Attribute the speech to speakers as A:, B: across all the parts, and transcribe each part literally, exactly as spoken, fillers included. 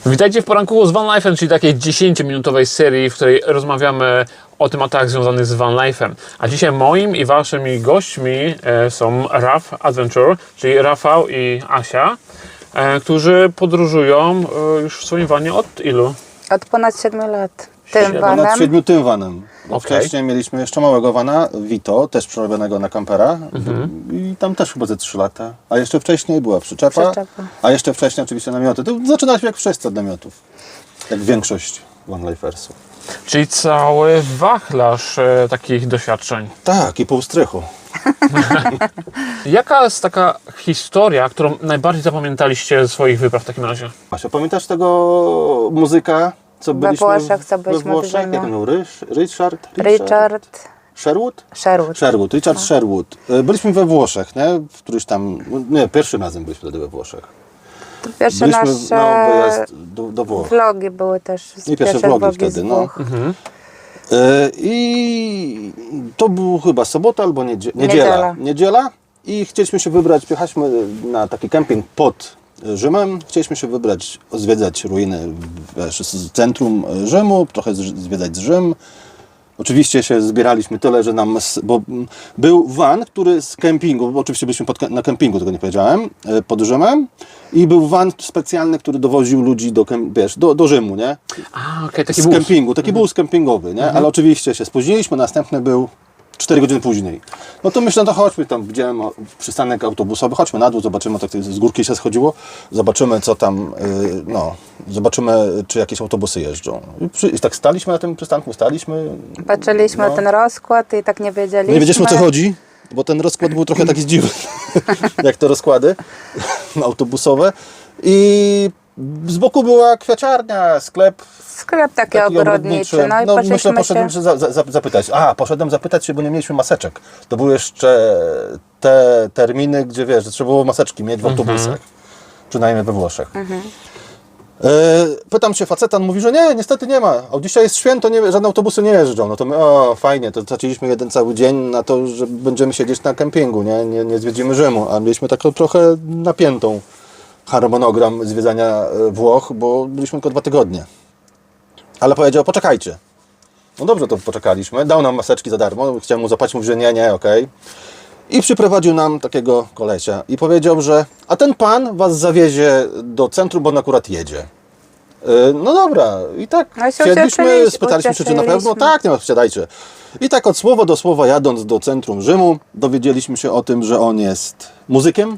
A: Witajcie w poranku z Van Life'em, czyli takiej dziesięciominutowej serii, w której rozmawiamy o tematach związanych z Van Life'em. A dzisiaj moim i waszymi gośćmi są Raf Adventure, czyli Rafał i Asia, którzy podróżują już w swoim vanie od ilu?
B: Od ponad siedmiu lat. Tym
C: Ponad
B: vanem.
C: siedmiu tym vanem. Bo
A: Okay.
C: Wcześniej mieliśmy jeszcze małego vana, Vito, też przerobionego na kampera.
A: Mhm.
C: I tam też chyba ze trzy lata. A jeszcze wcześniej była przyczepa.
B: Przyczepa.
C: A jeszcze wcześniej oczywiście namioty. To zaczynaliśmy jak wszyscy od namiotów. Jak większość vanlifersów.
A: Czyli cały wachlarz e, takich doświadczeń.
C: Tak, i pół strychu.
A: Jaka jest taka historia, którą najbardziej zapamiętaliście ze swoich wypraw w takim razie?
C: Asia, pamiętasz tego muzyka, co
B: We
C: byliśmy
B: Włoszech, co
C: we
B: byliśmy w
C: Włoszech?
B: Rzymie.
C: Jak on był? Rysz, Richard?
B: Richard
C: Sherwood?
B: Sherwood.
C: Sherwood, Richard Sherwood. Byliśmy we Włoszech, nie? W któryś tam, nie, pierwszym razem byliśmy wtedy we Włoszech.
B: To pierwsze
C: Byliśmy
B: nasze
C: na wyjazd do, do Włoch.
B: vlogi były też. z
C: I pierwsze
B: pierwsze
C: vlogi
B: vlogi
C: wtedy,
B: z
C: no.
B: Włoch.
A: Mhm.
C: E, I to był chyba sobota albo niedzie niedziela.
B: Niedziela.
C: Niedziela. I chcieliśmy się wybrać, pojechaliśmy na taki kemping pod Rzymem. Chcieliśmy się wybrać, zwiedzać ruiny, wiesz, z centrum Rzymu, trochę zwiedzać Rzym. Oczywiście się zbieraliśmy tyle, że nam, bo był van, który z kempingu, bo oczywiście byliśmy pod, na kempingu, tego nie powiedziałem, pod Rzymem, i był van specjalny, który dowoził ludzi do, wiesz, do, do Rzymu, nie?
A: A, okej, taki
C: Z
A: bus.
C: kempingu, taki bus kempingowy, nie? Ale oczywiście się spóźniliśmy, następny był cztery godziny później. No to myślę, no chodźmy tam, widziałem przystanek autobusowy, chodźmy na dół, zobaczymy, tak z górki się schodziło, zobaczymy co tam, yy, no, zobaczymy, czy jakieś autobusy jeżdżą. I, przy, i tak staliśmy na tym przystanku, staliśmy.
B: Patrzyliśmy
C: no.
B: na ten rozkład i tak nie wiedzieliśmy.
C: Nie wiedzieliśmy, o co chodzi, bo ten rozkład był trochę taki zdziwny, jak to rozkłady autobusowe. I z boku była kwiaciarnia, sklep.
B: Sklep taki,
C: Taki
B: ogrodniczy. No i
C: no,
B: poszliśmy
C: myślę, poszedłem
B: się...
C: się za, za, zapytać. A, poszedłem zapytać się, bo nie mieliśmy maseczek. To były jeszcze te terminy, gdzie wiesz, że trzeba było maseczki mieć w autobusach. Przynajmniej we Włoszech. E, pytam się faceta, on mówi, że nie, niestety nie ma. O, dzisiaj jest święto, nie, żadne autobusy nie jeżdżą. No to my, o fajnie, to straciliśmy jeden cały dzień na to, że będziemy siedzieć na kempingu, nie, nie, nie zwiedzimy Rzymu. A mieliśmy taką trochę napiętą harmonogram zwiedzania Włoch, bo byliśmy tylko dwa tygodnie. Ale powiedział, poczekajcie. No dobrze, to poczekaliśmy. Dał nam maseczki za darmo. Chciałem mu zapłacić, mówi, że nie, nie, okej. I przyprowadził nam takiego kolesia. I powiedział, że a ten pan was zawiezie do centrum, bo on akurat jedzie. Yy, no dobra. I tak
B: No i się
C: siedliśmy,
B: ucieszyliśmy,
C: spytaliśmy się, czy na pewno.
B: ucieszyliśmy.
C: Tak, nie ma, wsiadajcie. I tak od słowa do słowa jadąc do centrum Rzymu, dowiedzieliśmy się o tym, że on jest muzykiem.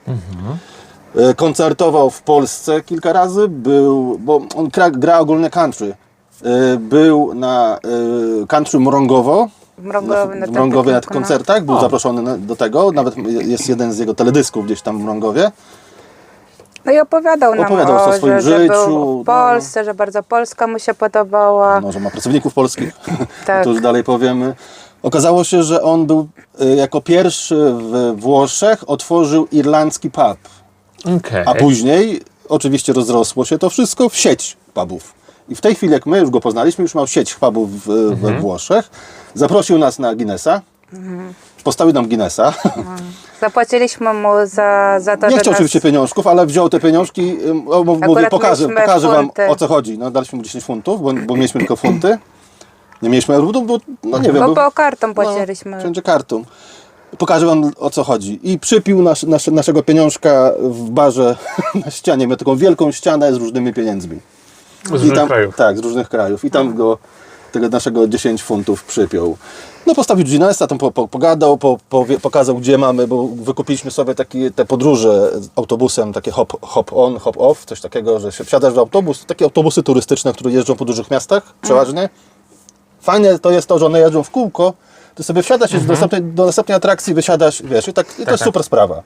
C: Yy, Koncertował w Polsce kilka razy. Był, bo on gra, gra ogólnie country. Był na country Mrągowo,
B: W Mrągowie na
C: w Mrągowie na
B: tym
C: koncertach, był
A: O.
C: zaproszony do tego, nawet jest jeden z jego teledysków gdzieś tam w Mrągowie.
B: No i opowiadał nam
C: Opowiadał
B: o,
C: o swoim
B: że, że
C: życiu,
B: był w Polsce, że bardzo Polska mu się podobała.
C: Może ma pracowników polskich,
B: Tak.
C: to już dalej powiemy. Okazało się, że on był y, jako pierwszy w Włoszech otworzył irlandzki pub,
A: Okej.
C: a później oczywiście rozrosło się to wszystko w sieć pubów. I w tej chwili, jak my już go poznaliśmy, już miał sieć pubów w, we Włoszech. Zaprosił nas na Guinnessa. Postawił nam Guinnessa.
B: Zapłaciliśmy mu za, za to,
C: Nie
B: że
C: chciał
B: nas...
C: oczywiście pieniążków, ale wziął te pieniążki. ym, o, Mówi,
B: Akurat
C: pokażę,
B: mieliśmy
C: pokażę wam,
B: funty.
C: o co chodzi. No, daliśmy mu dziesięć funtów, bo, bo mieliśmy tylko funty. Nie mieliśmy euro, bo, no nie wiem.
B: Bo,
C: bo-
B: bo kartą płaciliśmy.
C: No, wszędzie kartą. Pokażę wam, o co chodzi. I przypił nasz, nasz, naszego pieniążka w barze na ścianie. Miał taką wielką ścianę z różnymi pieniędzmi.
A: Z różnych
C: tam,
A: krajów.
C: Tak, z różnych krajów. I tam go, tego naszego dziesięć funtów przypiął. No postawił Guinnessa, tam po, po, pogadał, po, powie, pokazał, gdzie mamy, bo wykupiliśmy sobie takie, te podróże autobusem, takie hop, hop on, hop off, coś takiego, że się wsiadasz w autobus, takie autobusy turystyczne, które jeżdżą po dużych miastach przeważnie. Fajne to jest to, że one jeżdżą w kółko, ty sobie wsiadasz i do, następnej, do następnej atrakcji wysiadasz, wiesz, i, tak, i to jest
A: tak.
C: super sprawa.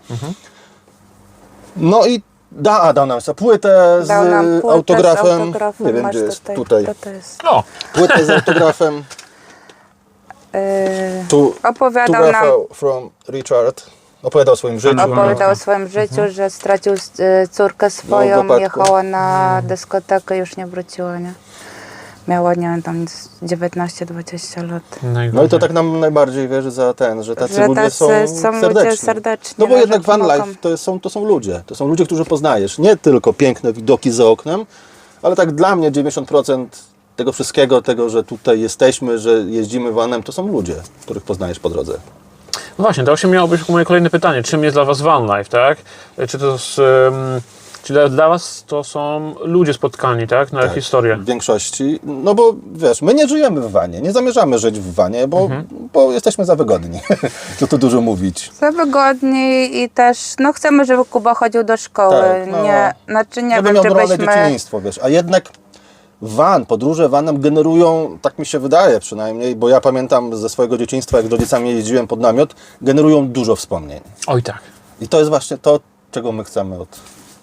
C: No i da, a dał nam sobie płytę z
B: Dał nam płytę
C: autografem,
B: z autografem.
C: nie wiem,
B: Masz
C: gdzie jest,
B: tutaj.
C: tutaj,
B: To to jest.
A: O,
C: płytę z autografem.
B: Yy,
C: Tu,
B: opowiadał
C: tu
B: nam,
C: Rafał from Richard opowiadał o swoim życiu.
B: opowiadał o swoim życiu, że stracił y, córkę swoją,
C: wypadku.
B: jechała na dyskotekę, już nie wróciła, nie? Miała, nie wiem, tam dziewiętnaście dwadzieścia lat.
C: No i to tak nam najbardziej wierzy za ten, że tacy
B: Że
C: ludzie
B: tacy
C: są,
B: są ludzie
C: serdeczni.
B: serdeczni,
C: No bo
B: no,
C: jednak
B: że
C: van
B: pomogą.
C: life to są, to są ludzie, to są ludzie, którzy poznajesz. Nie tylko piękne widoki za oknem, Ale tak dla mnie dziewięćdziesiąt procent tego wszystkiego, tego, że tutaj jesteśmy, że jeździmy vanem, to są ludzie, których poznajesz po drodze.
A: No właśnie, to właśnie miało być moje kolejne pytanie. Czym jest dla Was van life, tak? Czy to jest, um, czy dla, dla Was to są ludzie spotkani, tak? Na
C: Tak,
A: historię.
C: w większości. No bo wiesz, my nie żyjemy w wanie, nie zamierzamy żyć w wanie, bo,
A: Mhm.
C: bo jesteśmy za wygodni. Co tu dużo mówić.
B: Za wygodniej i też, no chcemy, żeby Kuba chodził do szkoły.
C: Tak, no.
B: nie, znaczy nie
C: Żeby
B: wiem,
C: miał
B: czy
C: normalne
B: byśmy...
C: dzieciństwo, wiesz. A jednak van, podróże vanem generują, tak mi się wydaje przynajmniej, bo ja pamiętam ze swojego dzieciństwa, jak z rodzicami jeździłem pod namiot, generują dużo wspomnień.
A: Oj tak.
C: I to jest właśnie to, czego my chcemy od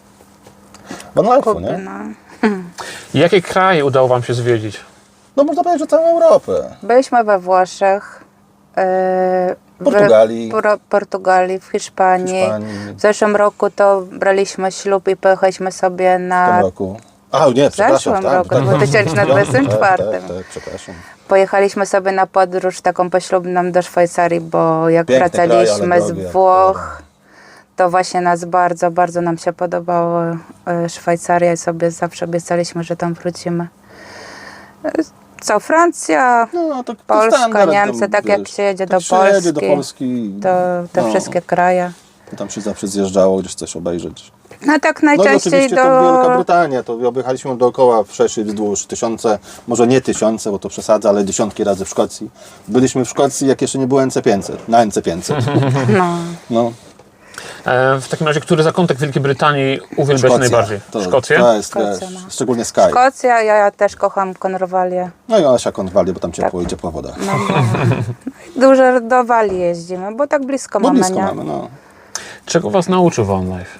C: van life'u,
B: Kuby,
C: nie?
B: no.
A: Jakie kraje udało Wam się zwiedzić?
C: No można powiedzieć, że całą Europę.
B: Byliśmy we Włoszech, yy,
C: Portugalii.
B: w Por- Portugalii, w Hiszpanii.
C: Hiszpanii.
B: W zeszłym roku to braliśmy ślub i pojechaliśmy sobie
C: W tym
B: na...
C: roku. A nie,
B: W
C: przepraszam.
B: zeszłym
C: tak,
B: roku,
C: tak.
B: w dwa tysiące dwudziestym czwartym.
C: Tak, tak, tak, przepraszam.
B: Pojechaliśmy sobie na podróż taką poślubną do Szwajcarii, bo jak
C: Piękny kraj,
B: wracaliśmy
C: ale
B: z
C: drogi, jak
B: Włoch, to właśnie nas bardzo, bardzo nam się podobało e, Szwajcaria i sobie zawsze obiecaliśmy, że tam wrócimy. E, Co, Francja,
C: No, to, to
B: Polska,
C: standard,
B: Niemcy,
C: tam,
B: tak jak
C: wiesz,
B: się jedzie
C: tak
B: do
C: się jedzie do
B: Polski,
C: Polski.
B: to te
C: no,
B: wszystkie kraje.
C: to tam się zawsze zjeżdżało gdzieś coś obejrzeć.
B: No tak
C: No i
B: najczęściej
C: oczywiście
B: do...
C: to Wielka Brytania, to objechaliśmy dookoła wszerz i wzdłuż tysiące, może nie tysiące, bo to przesadza, ale dziesiątki razy w Szkocji. Byliśmy w Szkocji, jak jeszcze nie było N C pięćset, na N C pięćset.
B: No.
C: No,
A: E, w takim razie, który zakątek Wielkiej Brytanii uwielbiasz
C: Szkocja.
A: najbardziej?
C: To,
A: Szkocję?
C: To jest,
B: Szkocja,
C: wiesz,
B: no.
C: szczególnie Sky.
B: Szkocja, ja, ja też kocham Konrwalię.
C: No i Asia Konwali, bo tam ciepło
B: Tak.
C: i ciepła woda.
B: No, Dużo do Walii jeździmy, bo tak blisko
C: Bo
B: mamy,
C: blisko
B: nie?
C: mamy, no.
A: Czego Was nauczył van life?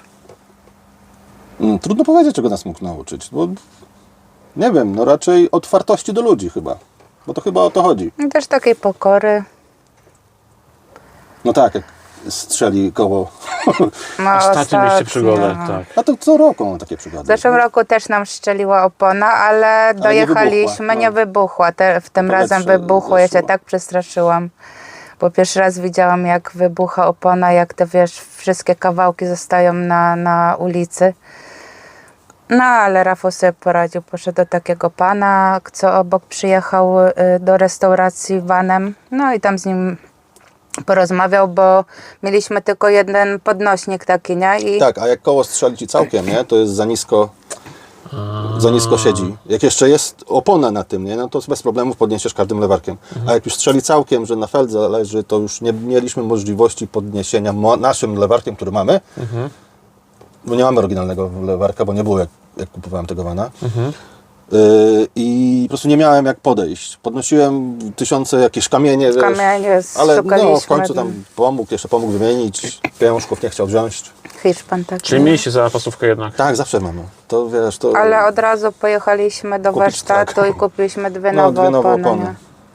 C: Mm, Trudno powiedzieć, czego nas mógł nauczyć, bo nie wiem, no raczej otwartości do ludzi chyba, bo to chyba o to chodzi.
B: I też takiej pokory.
C: No tak, jak strzeli koło.
B: No,
A: Ostatnio mieliście
B: ostatnio.
A: przygodę, tak.
C: A to co roku mam takie przygody.
B: W zeszłym roku też nam strzeliła opona, ale
C: nie
B: dojechaliśmy,
C: wybuchła,
B: nie
C: no.
B: wybuchła. Te, w tym
C: Powietrze
B: razem wybuchło, ja się
C: zeszło.
B: tak przestraszyłam. Bo pierwszy raz widziałam, jak wybucha opona, jak te, wiesz, wszystkie kawałki zostają na, na ulicy. No, ale Rafał sobie poradził. Poszedł do takiego pana, co obok przyjechał y, do restauracji vanem. No i tam z nim porozmawiał, bo mieliśmy tylko jeden podnośnik taki, nie? I
C: Tak, a jak koło strzeli ci całkiem, nie, to jest za nisko, za nisko siedzi. Jak jeszcze jest opona na tym, nie, no to bez problemów podniesiesz każdym lewarkiem. A jak już strzeli całkiem, że na feldze leży, to już nie mieliśmy możliwości podniesienia mo- naszym lewarkiem, który mamy, bo nie mamy oryginalnego lewarka, bo nie było jak, jak kupowałem tego vana. Yy, I po prostu nie miałem jak podejść. Podnosiłem tysiące jakieś kamienie, wiesz,
B: kamienie
C: ale
B: szukaliśmy.
C: no, w końcu tam pomógł, jeszcze pomógł wymienić, pieniążków nie chciał wziąć.
B: Hiszpan taki.
A: Czyli mieliście zapasówkę jednak.
C: Tak, zawsze mamy. To wiesz, to...
B: Ale od razu pojechaliśmy do
C: Kupić,
B: warsztatu
C: tak.
B: i kupiliśmy dwie
C: No,
B: nowe
C: dwie nowe
B: opony.
C: opony.
B: nie?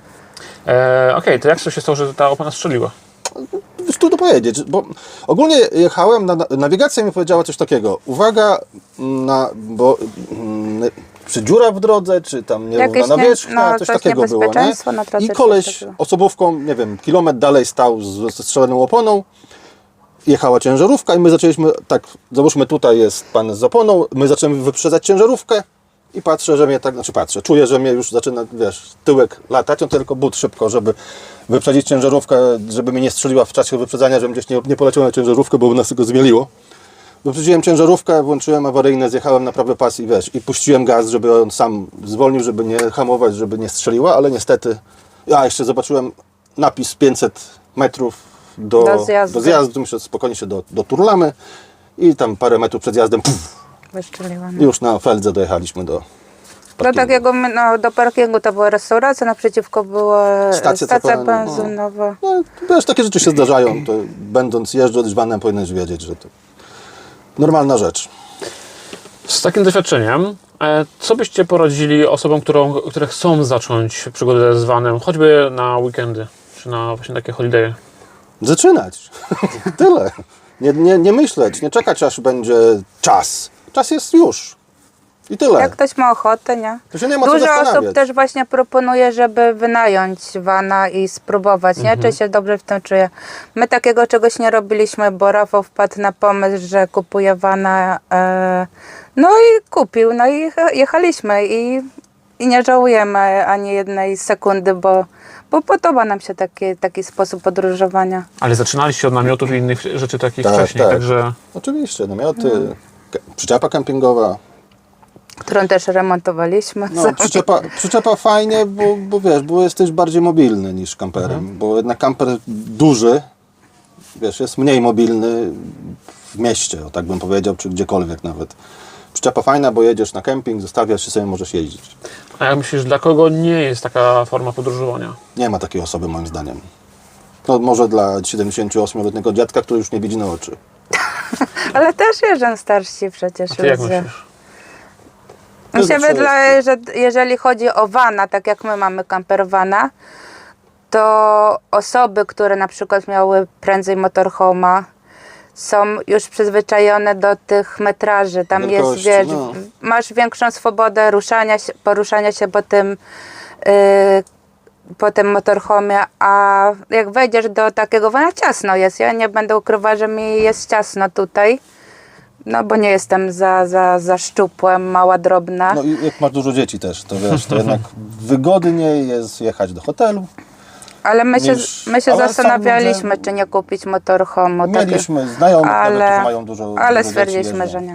A: E, Okej, to jak to się stało, że ta opona strzeliła?
C: Wiesz, trudno powiedzieć, bo ogólnie jechałem, na, nawigacja mi powiedziała coś takiego. Uwaga, na, bo mm, czy dziura w drodze, czy tam nierówna
B: Jakieś nie-
C: nawierzchnia,
B: no,
C: coś
B: coś
C: takiego było, nie?
B: niebezpieczeństwo na drodze,
C: I
B: coś
C: koleś
B: takiego.
C: osobówką, nie wiem, kilometr dalej stał z ze strzeloną oponą. Jechała ciężarówka i my zaczęliśmy, tak, załóżmy tutaj jest pan z oponą, my zaczęliśmy wyprzedzać ciężarówkę i patrzę, że mnie tak, znaczy patrzę, czuję, że mnie już zaczyna, wiesz, tyłek latać, no to tylko but szybko, żeby wyprzedzić ciężarówkę, żeby mnie nie strzeliła w czasie wyprzedzania, żebym gdzieś nie, nie poleciał na ciężarówkę, bo by nas tego zmieliło. Wyprzedziłem ciężarówkę, włączyłem awaryjne, zjechałem na prawy pas i wiesz, i puściłem gaz, żeby on sam zwolnił, żeby nie hamować, żeby nie strzeliła, ale niestety, ja jeszcze zobaczyłem napis pięćset metrów do,
B: Do zjazdu.
C: do zjazdu, myślę, spokojnie się do, doturlamy i tam parę metrów przed zjazdem, puf,
B: Wyszczeliłam.
C: już na Feldze dojechaliśmy do
B: Do
C: parkingu.
B: takiego, no, do parkingu to była restauracja, naprzeciwko była
C: Stacja
B: stacja
C: cofania, no.
B: benzynowa.
C: No, wiesz, takie rzeczy się zdarzają, to będąc jeżdżąc vanem powinieneś wiedzieć, że to normalna rzecz.
A: Z takim doświadczeniem, e, co byście poradzili osobom, którą, które chcą zacząć przygodę z vanem, choćby na weekendy, czy na właśnie takie holiday?
C: Zaczynać. Tyle. Nie, nie, nie myśleć, nie czekać, aż będzie czas. Czas jest już. I tyle.
B: Jak ktoś ma ochotę, nie?
C: To się nie ma co
B: Dużo
C: zastanawiać.
B: osób też właśnie proponuje, żeby wynająć vana i spróbować, nie? Czy się dobrze w tym czuje. My takiego czegoś nie robiliśmy, bo Rafał wpadł na pomysł, że kupuje vana, e, no i kupił, no i jechaliśmy i, i nie żałujemy ani jednej sekundy, bo, bo podoba nam się taki, taki sposób podróżowania.
A: Ale zaczynaliście od namiotów i innych rzeczy takich
C: Tak,
A: wcześniej,
C: tak.
A: także...
C: Oczywiście, namioty, ke- przyczepa kempingowa.
B: Którą też remontowaliśmy.
C: No, przyczepa, przyczepa fajnie, bo, bo wiesz, bo jesteś bardziej mobilny niż kamperem, bo jednak kamper duży, wiesz, jest mniej mobilny w mieście, o tak bym powiedział, czy gdziekolwiek nawet. Przyczepa fajna, bo jedziesz na kemping, zostawiasz się sobie, możesz jeździć.
A: A jak myślisz, dla kogo nie jest taka forma podróżowania?
C: Nie ma takiej osoby moim zdaniem. No może dla siedemdziesięcioośmioletniego dziadka, który już nie widzi na oczy.
B: Ale też jeżdżą starsi przecież.
A: A ty jak
B: ludzie.
A: myślisz?
B: Mi się
C: Zawsze
B: wydaje, że jeżeli chodzi o vana, tak jak my mamy campervana, to osoby, które na przykład miały prędzej motorhoma, są już przyzwyczajone do tych metraży. Tam
C: Wielkości,
B: jest, wiesz,
C: no.
B: masz większą swobodę ruszania się, poruszania się po tym, yy, po tym motorhomie, a jak wejdziesz do takiego vana, ciasno jest. Ja nie będę ukrywała, że mi jest ciasno tutaj. No bo nie jestem za, za, za szczupła, mała, drobna.
C: No i jak masz dużo dzieci też, to wiesz, to jednak wygodniej jest jechać do hotelu.
B: Ale my się,
C: niż-
B: my się
C: ale
B: zastanawialiśmy,
C: sądzę-
B: czy nie kupić motorhomu.
C: Mieliśmy znajomych,
B: ale,
C: nawet, którzy mają dużo
B: ale
C: dużo
B: stwierdziliśmy,
C: dzieci,
B: że
C: jeżdżą.
B: nie.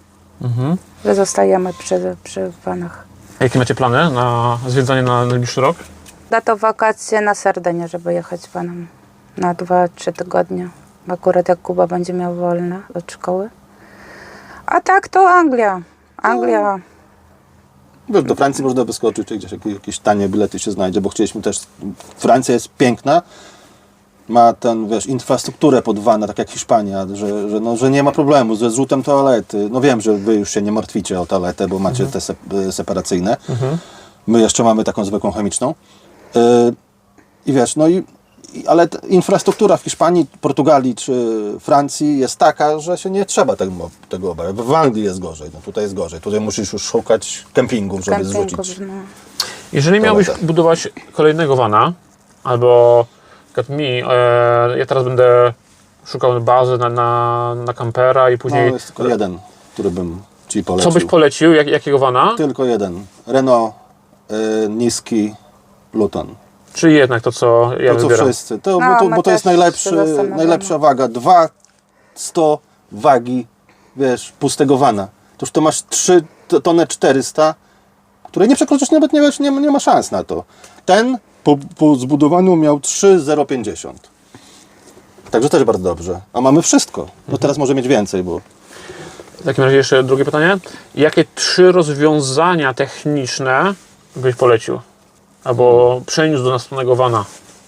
B: Że zostajemy przy, przy vanach.
A: A jakie macie plany na zwiedzanie na najbliższy rok?
B: Da to wakacje na Sardynię, żeby jechać vanem na dwa trzy tygodnie. Akurat jak Kuba będzie miał wolne od szkoły. A tak to Anglia. Anglia.
C: Wiesz, do Francji można wyskoczyć, czy gdzieś jakieś, jakieś tanie bilety się znajdzie, bo chcieliśmy też... Francja jest piękna, ma ten, wiesz, infrastrukturę pod vana, tak jak Hiszpania, że, że, no, że nie ma problemu ze zrzutem toalety. No wiem, że wy już się nie martwicie o toaletę, bo macie te sep separacyjne. My jeszcze mamy taką zwykłą chemiczną. Yy, I wiesz, no i i- ale t- infrastruktura w Hiszpanii, Portugalii czy Francji jest taka, że się nie trzeba tego, tego obawiać. W Anglii jest gorzej, no tutaj jest gorzej. Tutaj musisz już szukać kempingów, żeby
B: Kempingów,
C: zrzucić.
B: no.
A: Jeżeli miałbyś
C: Toaleta.
A: budować kolejnego vana, albo jak mi, e, ja teraz będę szukał bazy na, na, na kampera i
C: No,
A: później...
C: jest tylko jeden, który bym ci
A: Co
C: polecił.
A: byś polecił? Jak, jakiego vana?
C: Tylko jeden. Renault y, niski Luton.
A: Czy jednak to, co ja
C: To co
A: wybieram?
C: wszyscy. To,
B: No,
C: bo, to,
B: my
C: bo to jest
B: też się
C: najlepszy,
B: zastanawiamy.
C: najlepsza waga. dwa sto wagi, wiesz, pustego vana. Toż to masz trzy tony czterysta, które nie przekroczysz, nawet nie, wiesz, nie, nie ma szans na to. Ten po, po zbudowaniu miał trzy zero pięćdziesiąt. Także też bardzo dobrze. A mamy wszystko. No teraz może mieć więcej, bo
A: W takim razie jeszcze drugie pytanie. Jakie trzy rozwiązania techniczne byś polecił? Albo przeniósł do następnego vana?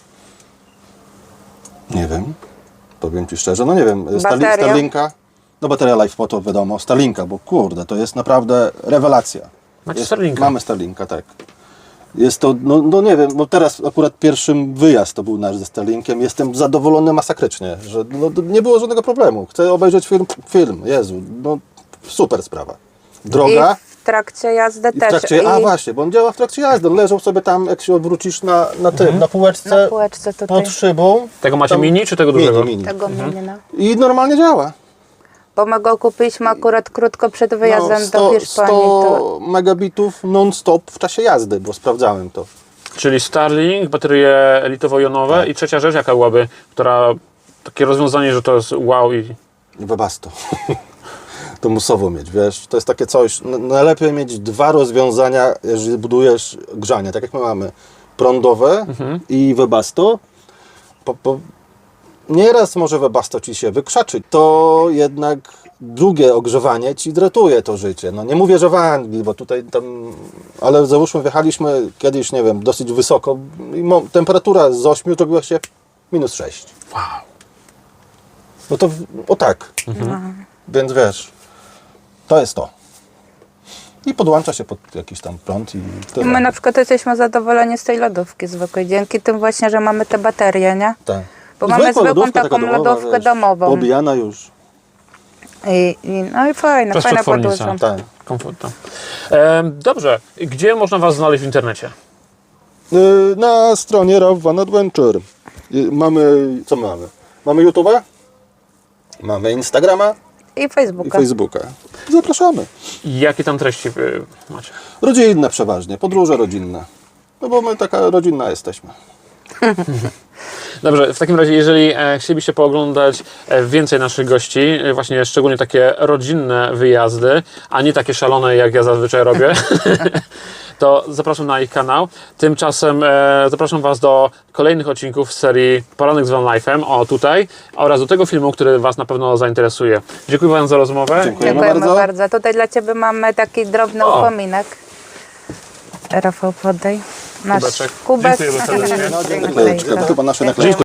C: nie wiem. Powiem ci szczerze, no nie wiem. Starli-
B: Bateria?
C: Starlinka. No bateria LifePo to wiadomo. Starlinka, bo kurde, to jest naprawdę rewelacja.
A: Macie
C: Jest,
A: Starlinka?
C: Mamy Starlinka, tak. Jest to, no, no nie wiem, bo teraz akurat pierwszy wyjazd to był nasz ze Starlinkiem. Jestem zadowolony masakrycznie, że no, nie było żadnego problemu. Chcę obejrzeć film, film, Jezu, no super sprawa. Droga.
B: I w trakcie jazdy
C: I w
B: też.
C: trakcie, a
B: I
C: właśnie, bo on działa w trakcie jazdy. On leżał sobie tam, jak się odwrócisz na, na tym, na półeczce
B: na półeczce tutaj
C: pod szybą.
A: Tego macie
C: Tam-
A: mini czy tego dużego?
C: Mini, mini.
B: tego mini, no.
C: I normalnie działa.
B: Bo my go kupiliśmy akurat krótko przed wyjazdem
C: No, sto,
B: do Hiszpanii. To
C: sto megabitów non-stop w czasie jazdy, bo sprawdzałem to.
A: Czyli Starlink, baterie elitowo-jonowe
C: Tak.
A: i trzecia rzecz jaka byłaby, która takie rozwiązanie, że to jest wow i
C: I Webasto. To musowo mieć, wiesz, to jest takie coś, n- najlepiej mieć dwa rozwiązania, jeżeli budujesz grzanie, tak jak my mamy, prądowe i Webasto. Po, po, nieraz może Webasto ci się wykrzaczy, to jednak drugie ogrzewanie ci dratuje to życie. No nie mówię, że w Anglii, bo tutaj tam, ale załóżmy wjechaliśmy kiedyś, nie wiem, dosyć wysoko i mo- temperatura z ośmiu to była się minus sześć.
A: wow.
C: No to w- o tak. Więc wiesz, to jest to. I podłącza się pod jakiś tam prąd i tyle.
B: my na przykład jesteśmy zadowoleni z tej lodówki zwykłej. Dzięki tym właśnie, że mamy te baterie, nie?
C: Tak.
B: Bo mamy
C: Zwykła
B: zwykłą
C: lodówka,
B: taką
C: taka domowa,
B: lodówkę
C: wiesz,
B: domową.
C: Obijana już.
B: I, i, no i fajna, fajna
A: Przestrotwornica.
B: podróż.
C: Tak.
A: Komfortna. E, dobrze, gdzie można Was znaleźć w internecie?
C: Y, Na stronie Raf Van Adventure y, mamy, co my mamy? Mamy YouTube'a, mamy Instagrama
B: I
C: i
B: Facebooka.
C: Facebooka. Zapraszamy.
A: Jakie tam treści y, macie?
C: Rodzinne przeważnie, podróże rodzinne. No bo my taka rodzinna jesteśmy.
A: Dobrze, w takim razie, jeżeli e, chcielibyście pooglądać e, więcej naszych gości, e, właśnie szczególnie takie rodzinne wyjazdy, a nie takie szalone, jak ja zazwyczaj robię, to zapraszam na ich kanał. Tymczasem e, zapraszam Was do kolejnych odcinków z serii Poranek z Van Life'em, o tutaj, oraz do tego filmu, który Was na pewno zainteresuje. Dziękuję Wam za rozmowę.
C: Dziękujemy
B: Dziękujemy
C: bardzo.
B: bardzo. Tutaj dla Ciebie mamy taki drobny
A: O.
B: upominek. Rafał, podaj. Nasz
A: Kubeczek.
B: kubek.
A: Dziękuję serdecznie.
C: No, dziękuję.
B: Dziękuję.
C: Chyba nasze
B: Dziękuję.
C: naklejki.